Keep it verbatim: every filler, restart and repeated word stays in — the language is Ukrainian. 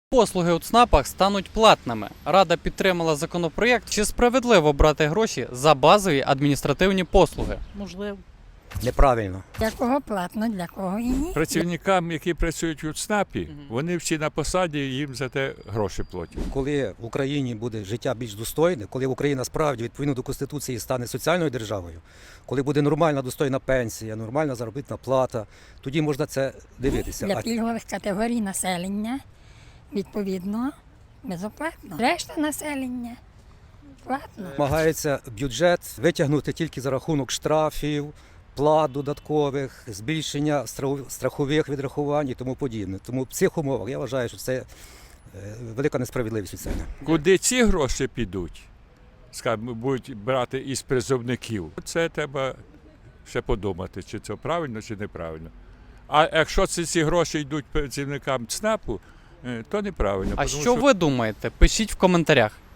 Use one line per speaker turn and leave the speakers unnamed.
Послуги у ЦНАПах стануть платними. Рада підтримала законопроєкт. Чи справедливо брати гроші за базові адміністративні послуги?
Можливо.
Неправильно.
Для кого платно, для кого і ні.
Працівникам, які працюють у ЦНАПі, вони всі на посаді, їм за те гроші платять.
Коли в Україні буде життя більш достойне, коли Україна справді відповідно до Конституції стане соціальною державою, коли буде нормальна достойна пенсія, нормальна заробітна плата, тоді можна це дивитися.
Для
А
пільгових категорій населення, відповідно, безоплатно. Решта населення платно.
намагається бюджет витягнути тільки за рахунок штрафів, плат додаткових, збільшення страху- страхових відрахувань і тому подібне. Тому в цих умовах я вважаю, що це е, велика несправедливість від цього.
Куди ці гроші підуть, скажімо, будуть брати із призовників, це треба ще подумати, чи це правильно, чи неправильно. А якщо ці, ці гроші йдуть працівникам ЦНАПу, е, то неправильно.
А
тому
що ви думаєте? Пишіть в коментарях.